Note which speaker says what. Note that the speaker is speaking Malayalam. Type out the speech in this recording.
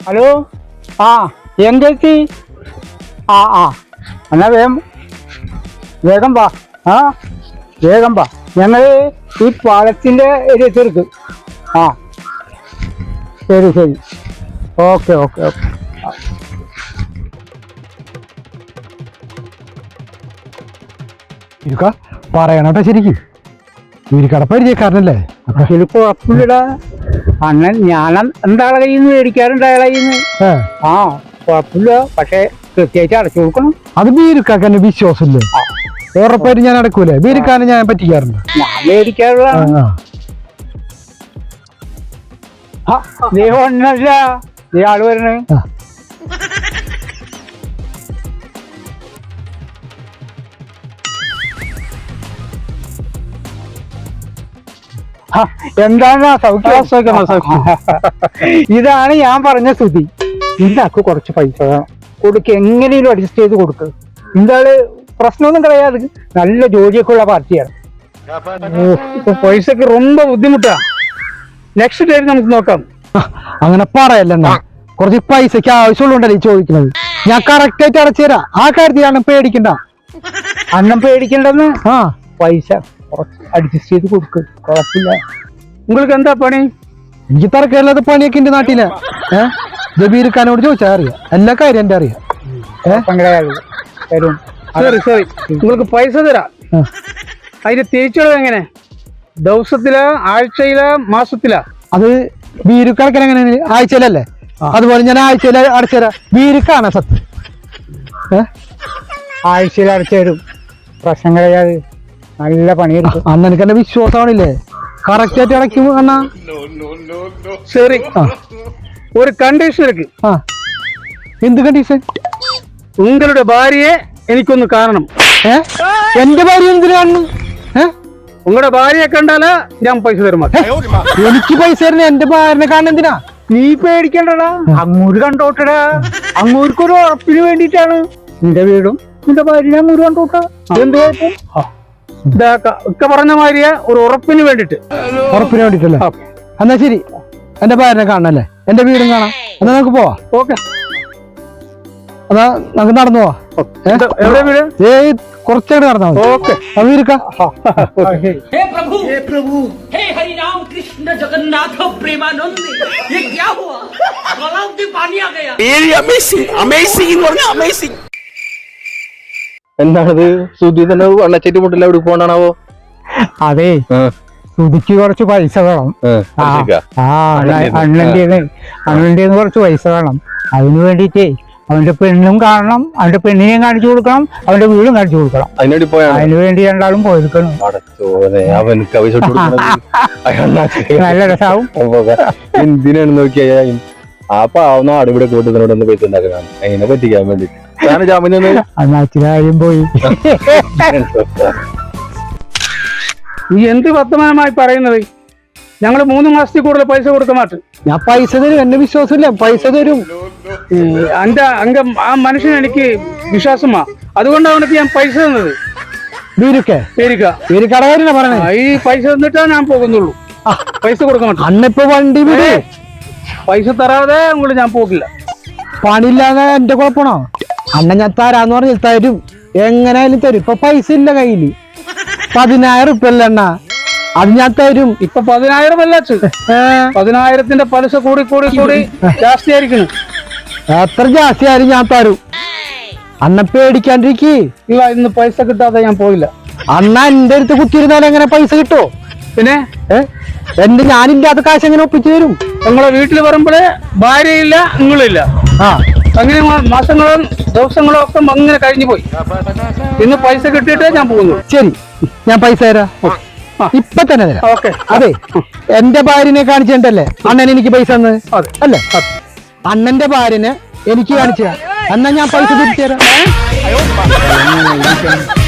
Speaker 1: ഹലോ ആ എങ്കെത്തി ആ എന്നാ വേഗം വാ വേഗം വാ ഞങ്ങൾ ഈ പാലത്തിൻ്റെ ഒരു എത്തിയെടുക്കും ശരി ഓക്കെ
Speaker 2: പറയണോട്ടെ ശരിക്കും വീരിക്കട പരിചയക്കാരനല്ലേ
Speaker 1: ചിലപ്പോ കുഴപ്പമില്ലടാ അണ്ണൻ ഞാൻ എന്താളെ കയ്യിൽ നിന്ന് മേടിക്കാറുണ്ട് അയാളെ കയ്യിൽ നിന്ന് കുഴപ്പമില്ല പക്ഷെ കൃത്യമായിട്ട് അടച്ചു കൊടുക്കണം.
Speaker 2: അത് ബീരുക്കാക്ക് എന്നെ വിശ്വാസമില്ലേ ഉറപ്പായിട്ട് ഞാൻ അടക്കൂലേ ബീരുക്കാനെ ഞാൻ പറ്റിക്കാറുണ്ട്
Speaker 1: ഞാൻ മേടിക്കാറുള്ളതാണ്. ഒന്നല്ല ആള് വരണേ എന്താണ് ഇതാണ് ഞാൻ പറഞ്ഞ സ്ഥിതി. ഇതാക്ക് കുറച്ച് പൈസ വേണം കൊടുക്ക, എങ്ങനെയും അഡ്ജസ്റ്റ് ചെയ്ത് കൊടുക്കുക. എന്താള് പ്രശ്നമൊന്നും കളയാതെ നല്ല ജോലിയൊക്കെ ഉള്ള പാർട്ടിയാണ്. ഇപ്പൊ പൈസക്ക് ரொம்ப ബുദ്ധിമുട്ടാ. നെക്സ്റ്റ് ടൈം നമുക്ക് നോക്കാം.
Speaker 2: അങ്ങനെ പറയല്ലെന്നാ കുറച്ച് പൈസക്ക് ആവശ്യമുള്ളണ്ടല്ലേ ചോദിക്കുന്നത്. ഞാൻ കറക്റ്റ് ആയിട്ട് അടച്ചു തരാം. ആ കാര്യത്തിൽ അണ്ണം പേടിക്കണ്ട.
Speaker 1: അണ്ണം പേടിക്കണ്ടെന്ന് പൈസ കുറച്ച് അഡ്ജസ്റ്റ് ചെയ്ത് കൊടുക്കുക, കുഴപ്പമില്ല. നിങ്ങൾക്ക് എന്താ പണി?
Speaker 2: എനിക്ക് തറക്കല്ലാത്ത പണിയൊക്കെ എന്റെ നാട്ടിലെ ജബീർഖാനോട് ചോദിച്ചാൽ അറിയാം, എല്ലാ കാര്യം എന്റെ അറിയാം.
Speaker 1: സോറി നിങ്ങൾക്ക് പൈസ തരാം. അതിന്റെ തിരിച്ചുള്ളത് എങ്ങനെ? ദിവസത്തിലാ, ആഴ്ചയിലാ, മാസത്തിലാ?
Speaker 2: അത് ബീരുക്കണക്കിന് എങ്ങനെ ആഴ്ചയിലല്ലേ? അതുപോലെ ഞാൻ ആഴ്ചയിൽ അടച്ചുതരാം. ബീരുക്കാണ് സത്യം.
Speaker 1: ആഴ്ചയിൽ അടച്ചു തരും, പ്രശ്നം കഴിയാതെ. നല്ല പണിയെടുക്കും.
Speaker 2: അന്ന് എനിക്ക് എന്റെ വിശ്വാസമാണില്ലേ കറക്റ്റ് ആയിട്ട് അടയ്ക്കും അണ്ണാ.
Speaker 1: ശരി, ഒരു കണ്ടീഷൻ ഇருக்கு.
Speaker 2: എന്ത് കണ്ടീഷൻ?
Speaker 1: നിങ്ങളുടെ ഭാര്യയെ എനിക്കൊന്ന് കാണണം.
Speaker 2: എന്റെ ഭാര്യ എന്തിനാണ്?
Speaker 1: നിങ്ങളുടെ ഭാര്യയെ കണ്ടാല് ഞാൻ പൈസ തരുമോ?
Speaker 2: എനിക്ക് പൈസ തരണേ, എന്റെ ഭാര്യനെ കാണാൻ എന്തിനാ?
Speaker 1: നീ പേടിക്കണ്ടടാ, അങ്ങൂര് കണ്ടോട്ടടാ. അങ്ങൂർക്കൊരു ഉറപ്പിന് വേണ്ടിയിട്ടാണ്. നിന്റെ വീടും നിന്റെ ഭാര്യ അങ്ങൂര് കണ്ടോട്ടാ. എന്ത് ഒക്കെ പറഞ്ഞ മാതിരിയ ഒരു ഉറപ്പിന് വേണ്ടിട്ട്.
Speaker 2: ഉറപ്പിന് വേണ്ടിട്ടല്ലേ? എന്നാ ശരി, എന്റെ ഭാര്യനെ കാണണല്ലേ, എന്റെ വീടും കാണാം. എന്നാ നമുക്ക് പോവാ.
Speaker 1: ഓക്കെ,
Speaker 2: അതാ നമുക്ക് നടന്നു പോവാ.
Speaker 1: എവിടെ വീട്?
Speaker 2: കുറച്ചേട് നടന്നാ മതി.
Speaker 1: ഓക്കെ,
Speaker 3: हे प्रभु हे हरि राम कृष्ण जगन्नाथ प्रेमानंद ये क्या हुआ? तालाब में पानी आ गया. अमेजिंग.
Speaker 4: എന്താണത്? സുധി തന്നെ വണ്ണച്ചേറ്റി മുട്ടില്ല, എവിടെ പോകണ്ടാണാവോ?
Speaker 1: അതെ, സുധിക്ക് കുറച്ച് പൈസ വേണം. അണ്ണന്റെ കുറച്ച് പൈസ വേണം. അതിനു വേണ്ടിട്ടേ അവന്റെ പെണ്ണും കാണണം, അവന്റെ പെണ്ണിനെയും കാണിച്ചു കൊടുക്കണം, അവന്റെ വീടും കാണിച്ചു കൊടുക്കണം. അതിനു വേണ്ടി രണ്ടാളും പോയിരിക്കണം. നല്ല രസാവും.
Speaker 4: എന്തിനാണ് നോക്കിയാ ആ പാവുന്ന ആടുവിടെ കൂട്ടുന്നതിനോടൊന്ന് പൈസ ഉണ്ടാക്കണം, അതിനെ പറ്റിക്കാൻ വേണ്ടി ജാമ്യം
Speaker 1: കാര്യം പോയി. നീ എന്ത് വർത്തമാനമായി പറയുന്നത്? ഞങ്ങള് 3 മാസത്തിൽ കൂടുതൽ പൈസ കൊടുക്കാൻ മാറ്റും.
Speaker 2: ഞാൻ പൈസ തരും, എന്നെ വിശ്വാസമില്ല, പൈസ തരും.
Speaker 1: ആ മനുഷ്യൻ എനിക്ക് വിശ്വാസമാ, അതുകൊണ്ടാണ് അവനക്ക് ഞാൻ പൈസ തന്നത്. ഈ പൈസ തന്നിട്ടാ ഞാൻ പോകുന്നുള്ളൂ. പൈസ കൊടുക്കാൻ മാറ്റും.
Speaker 2: അന്നിപ്പോ വണ്ടി വിട്,
Speaker 1: പൈസ തരാതെ അങ്ങോട്ട് ഞാൻ പോകില്ല.
Speaker 2: പണിയില്ലാതെ എന്റെ കുഴപ്പമാണോ? അണ്ണ ഞാൻ തരാന്ന് പറഞ്ഞാൽ തരും, എങ്ങനെയായാലും തരും. ഇപ്പൊ പൈസ ഇല്ല കയ്യില്. 10,000 ഉറുപ്പ്യ അല്ല അണ്ണ, അത് ഞാൻ തരും.
Speaker 1: ഇപ്പൊ 10,000 അല്ല, 10,000ത്തിന്റെ പലിശ കൂടി ജാസ്തി ആയിരിക്കണം.
Speaker 2: എത്ര ജാസ്തി ആയാലും ഞാൻ തരും. അണ്ണ പേടിക്കാണ്ടിരിക്കേ.
Speaker 1: ഇല്ല, ഇന്ന് പൈസ കിട്ടാതെ ഞാൻ പോയില്ല.
Speaker 2: അണ്ണ എന്റെ അടുത്ത് കുത്തിയിരുന്നാലും എങ്ങനെ പൈസ കിട്ടോ?
Speaker 1: പിന്നെ
Speaker 2: ഞാനില്ലാത്ത കാശ് എങ്ങനെ ഒപ്പിച്ചു തരും?
Speaker 1: നിങ്ങളെ വീട്ടിൽ വരുമ്പോഴേ ഭാര്യയില്ല, നിങ്ങളില്ല. അങ്ങനെ മാസങ്ങളും ദിവസങ്ങളും ഒക്കെ അങ്ങനെ കഴിഞ്ഞു പോയി. ഇന്ന് പൈസ കിട്ടിയിട്ടേ ഞാൻ പോകുന്നു.
Speaker 2: ശരി, ഞാൻ പൈസ തരാം, ഇപ്പൊ തന്നെ തരാം.
Speaker 1: ഓക്കെ.
Speaker 2: അതെ, എന്റെ ഭാര്യനെ കാണിച്ചിട്ടല്ലേ അണ്ണൻ എനിക്ക് പൈസ തന്നത് അല്ലേ? അണ്ണന്റെ ഭാര്യനെ എനിക്ക് കാണിച്ചു തരാം, എന്നാ ഞാൻ പൈസ തിരിച്ചു തരാം.